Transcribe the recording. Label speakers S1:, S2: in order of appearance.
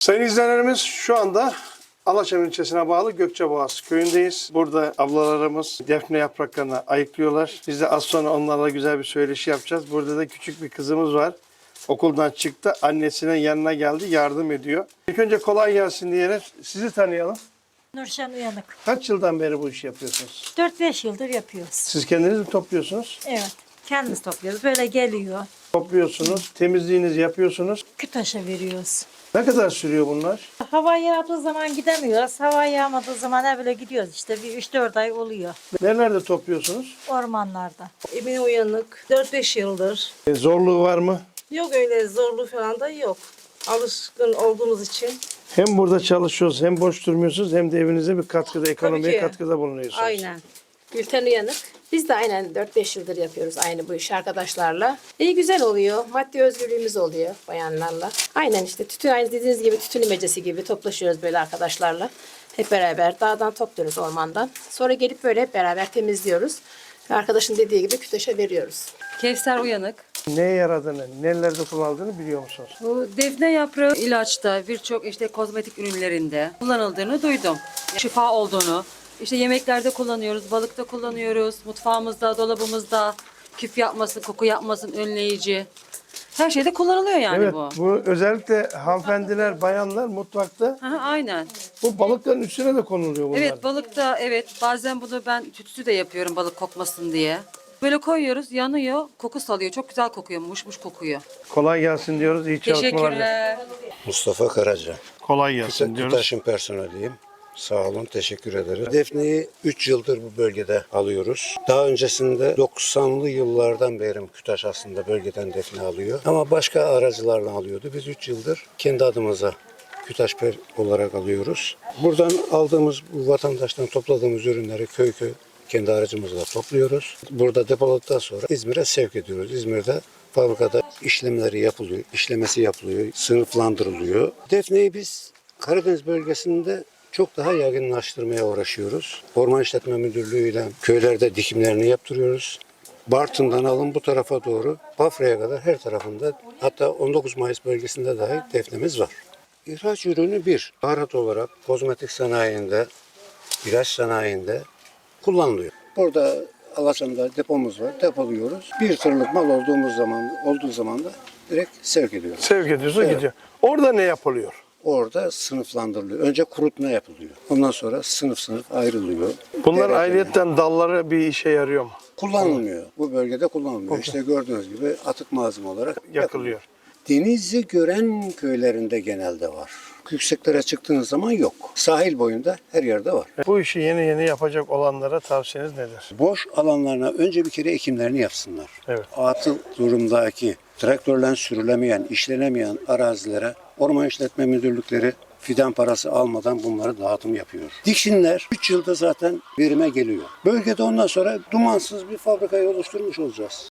S1: Sayın izleyenlerimiz, şu anda Alaçam ilçesine bağlı Gökçeboğaz köyündeyiz. Burada ablalarımız defne yapraklarını ayıklıyorlar. Biz de az sonra onlarla güzel bir söyleşi yapacağız. Burada da küçük bir kızımız var. Okuldan çıktı, annesinin yanına geldi, yardım ediyor. İlk önce kolay gelsin diyerek sizi tanıyalım.
S2: Nurşen Uyanık.
S1: Kaç yıldan beri bu işi yapıyorsunuz?
S2: 4-5 yıldır yapıyoruz.
S1: Siz kendiniz mi topluyorsunuz?
S2: Evet. Kendimiz topluyoruz. Böyle geliyor.
S1: Topluyorsunuz, temizliğinizi yapıyorsunuz.
S2: Kütaş'a veriyoruz.
S1: Ne kadar sürüyor bunlar?
S2: Hava yağdığı zaman gidemiyoruz. Hava yağmadığı zaman böyle gidiyoruz işte. Bir 3-4 ay oluyor.
S1: Nerelerde topluyorsunuz?
S2: Ormanlarda.
S3: Emine Uyanık. 4-5 yıldır.
S1: Zorluğu var mı?
S3: Yok öyle zorluğu falan da yok. Alışkın olduğumuz için.
S1: Hem burada çalışıyorsunuz, hem boş durmuyorsunuz, hem de evinize bir katkıda, ekonomiye
S3: ki.
S1: katkıda bulunuyorsunuz.
S3: Aynen. Gülten Uyanık. Biz de aynen 4-5 yıldır yapıyoruz aynı bu işi arkadaşlarla. İyi güzel oluyor. Maddi özgürlüğümüz oluyor bayanlarla. Aynen işte tütün aynı dediğiniz gibi tütün imecesi gibi toplaşıyoruz böyle arkadaşlarla. Hep beraber dağdan topluyoruz ormandan. Sonra gelip böyle hep beraber temizliyoruz. Ve arkadaşın dediği gibi küteşe veriyoruz.
S4: Kevser Uyanık.
S1: Neye yaradığını, nelerde kullanıldığını biliyor musunuz?
S4: Bu defne yaprağı ilaçta, birçok işte kozmetik ürünlerinde kullanıldığını duydum. Şifa olduğunu, işte yemeklerde kullanıyoruz, balıkta kullanıyoruz, mutfağımızda, dolabımızda küf yapmasın, koku yapmasın, önleyici. Her şeyde kullanılıyor yani
S1: Evet,
S4: bu.
S1: bu özellikle hanımefendiler, bayanlar mutfakta
S4: Aha, aynen.
S1: bu balıkların üstüne de konuluyor bunlar.
S4: Evet balıkta evet bazen bunu ben tütsü de yapıyorum balık kokmasın diye. Böyle koyuyoruz, yanıyor, koku salıyor. Çok güzel kokuyor, muş kokuyor.
S1: Kolay gelsin diyoruz, iyi çalışmalar.
S4: Teşekkürler.
S5: Mustafa Karaca.
S1: Kolay gelsin diyoruz.
S5: Kütaş'ın personeliyim. Sağ olun, teşekkür ederim. Defneyi 3 yıldır bu bölgede alıyoruz. Daha öncesinde 90'lı yıllardan beri Kütaş aslında bölgeden defne alıyor. Ama başka aracılarla alıyordu. Biz 3 yıldır kendi adımıza Kütaş olarak alıyoruz. Buradan aldığımız bu vatandaştan topladığımız ürünleri köy köy kendi aracımızla topluyoruz. Burada depoladıktan sonra İzmir'e sevk ediyoruz. İzmir'de fabrikada işlemleri yapılıyor, işlemesi yapılıyor, sınıflandırılıyor. Defneyi biz Karadeniz bölgesinde çok daha yaygınlaştırmaya uğraşıyoruz. Orman İşletme Müdürlüğü ile köylerde dikimlerini yaptırıyoruz. Bartın'dan alın bu tarafa doğru Bafra'ya kadar her tarafında, hatta 19 Mayıs bölgesinde dahi defnemiz var. İhraç ürünü bir, baharat olarak kozmetik sanayinde, ilaç sanayinde kullanılıyor. Burada Alaçam'da depomuz var, depoluyoruz. Bir tırlık mal olduğu zaman da direkt sevk ediyoruz.
S1: Sevk ediyorsun,
S5: Evet.
S1: gidiyor. Orada ne yapılıyor?
S5: Orada sınıflandırılıyor. Önce kurutma yapılıyor. Ondan sonra sınıf sınıf ayrılıyor.
S1: Bunlar
S5: Derece-
S1: ayrıyetten dalları bir işe yarıyor mu?
S5: kullanılmıyor. Bu bölgede kullanılmıyor. İşte gördüğünüz gibi atık malzeme olarak
S1: Yakılıyor.
S5: Denizi gören köylerinde genelde var. Yükseklere çıktığınız zaman yok. Sahil boyunda her yerde var.
S1: Bu işi yeni yeni yapacak olanlara tavsiyeniz nedir?
S5: Boş alanlarına önce bir kere ekimlerini yapsınlar.
S1: Evet.
S5: Atıl durumdaki, traktörle sürülemeyen, işlenemeyen arazilere Orman İşletme Müdürlükleri fidan parası almadan bunları dağıtım yapıyor. Diksinler 3 yılda zaten verime geliyor. Bölgede ondan sonra dumansız bir fabrikayı oluşturmuş olacağız.